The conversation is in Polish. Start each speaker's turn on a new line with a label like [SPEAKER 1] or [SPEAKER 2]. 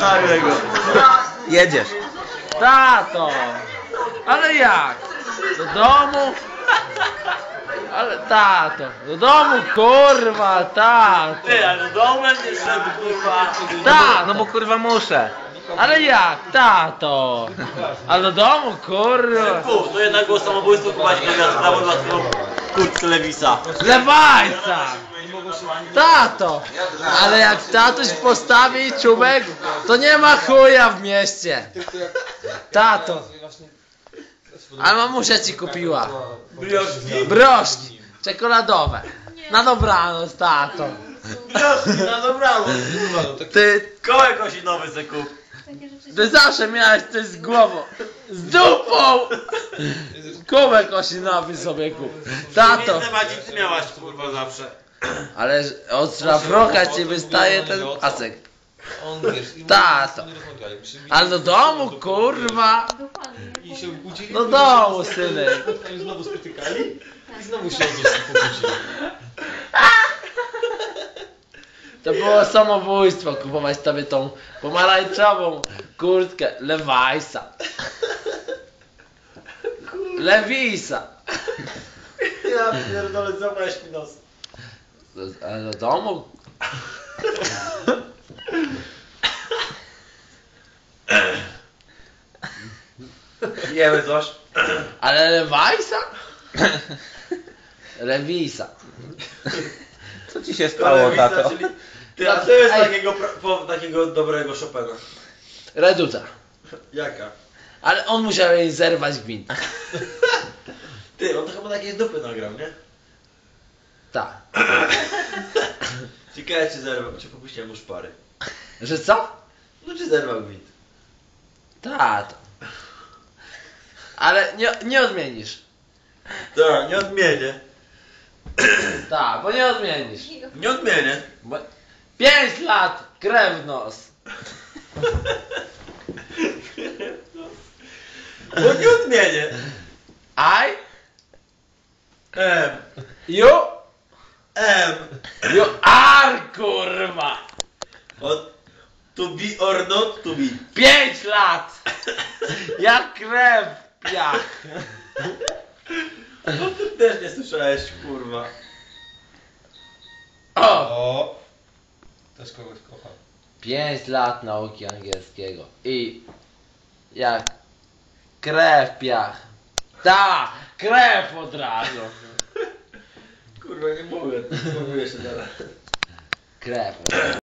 [SPEAKER 1] Nagłego.
[SPEAKER 2] Jedziesz.
[SPEAKER 3] Tato! Ale jak? Do domu? Ale tato, do domu kurwa, tato!
[SPEAKER 1] Ty, ale do domu będziesz szedł, kurwa.
[SPEAKER 3] Tato!
[SPEAKER 2] No bo kurwa muszę.
[SPEAKER 3] Ale jak? Tato! Ale do domu kurwa!
[SPEAKER 1] Fu, to jednak było samobójstwo, chyba się nawias prawo dla kurtkę Lewisa.
[SPEAKER 3] Lewajca! Tato! Ale jak tatuś postawi czubek, to nie ma chuja w mieście! Tato! Ale mamusia ci kupiła
[SPEAKER 1] Brioszki.
[SPEAKER 3] broszki czekoladowe. Na dobranoc, tato.
[SPEAKER 1] Brioszki, na dobranoc.
[SPEAKER 3] Ty,
[SPEAKER 1] Kołek osinowy se kup.
[SPEAKER 3] ty zawsze miałeś coś z głową. Z dupą! Kubek osinowy sobie kup. Tato!
[SPEAKER 1] Więcej Maciej, ty miałaś, kurwa, zawsze.
[SPEAKER 3] Ale od szlafroka ci wystaje ten pasek.
[SPEAKER 4] On wiesz,
[SPEAKER 3] Tato. Ale do domu, kurwa.
[SPEAKER 4] i się budzili.
[SPEAKER 3] Do domu, synek.
[SPEAKER 4] I znowu spotykali i znowu się pokłócili.
[SPEAKER 3] To było samobójstwo kupować tobie tą pomarańczową kurtkę Lewajsa. Lewisa.
[SPEAKER 1] Ja pierdolę, zamknąłeś mi nos.
[SPEAKER 3] Ale do domu?
[SPEAKER 1] Jemy coś.
[SPEAKER 3] Ale Lewajsa? Lewisa.
[SPEAKER 2] Co ci się stało, tato?
[SPEAKER 1] Ty, a co jest
[SPEAKER 3] Ej.
[SPEAKER 1] takiego dobrego Chopina?
[SPEAKER 3] Reduta.
[SPEAKER 1] Jaka?
[SPEAKER 3] Ale on musiał jej zerwać gwint.
[SPEAKER 1] Ty, on to chyba takiej dupy nagrał, nie?
[SPEAKER 3] Tak.
[SPEAKER 1] Ciekawe czy zerwał, czy popuściłem mu szpary.
[SPEAKER 3] Że co?
[SPEAKER 1] No czy zerwał gwint?
[SPEAKER 3] Tato. Ale nie odmienisz.
[SPEAKER 1] Tak, nie odmienię.
[SPEAKER 3] Tak, bo nie odmienisz.
[SPEAKER 1] Nie odmienię.
[SPEAKER 3] Bo 5 lat, krew w nos.
[SPEAKER 1] Bo nie odmienię.
[SPEAKER 3] I,
[SPEAKER 1] M.
[SPEAKER 3] you,
[SPEAKER 1] M.
[SPEAKER 3] you are, kurwa.
[SPEAKER 1] To be or not to be.
[SPEAKER 3] 5 lat. Jak krew w piach.
[SPEAKER 1] No ty też nie słyszałeś, kurwa.
[SPEAKER 3] O!
[SPEAKER 4] O! Też kogoś kocha.
[SPEAKER 3] 5 lat nauki angielskiego. I jak krew w piach. Ta, krew od razu.
[SPEAKER 1] Kurwa, nie mogę jeszcze teraz.
[SPEAKER 3] Krew.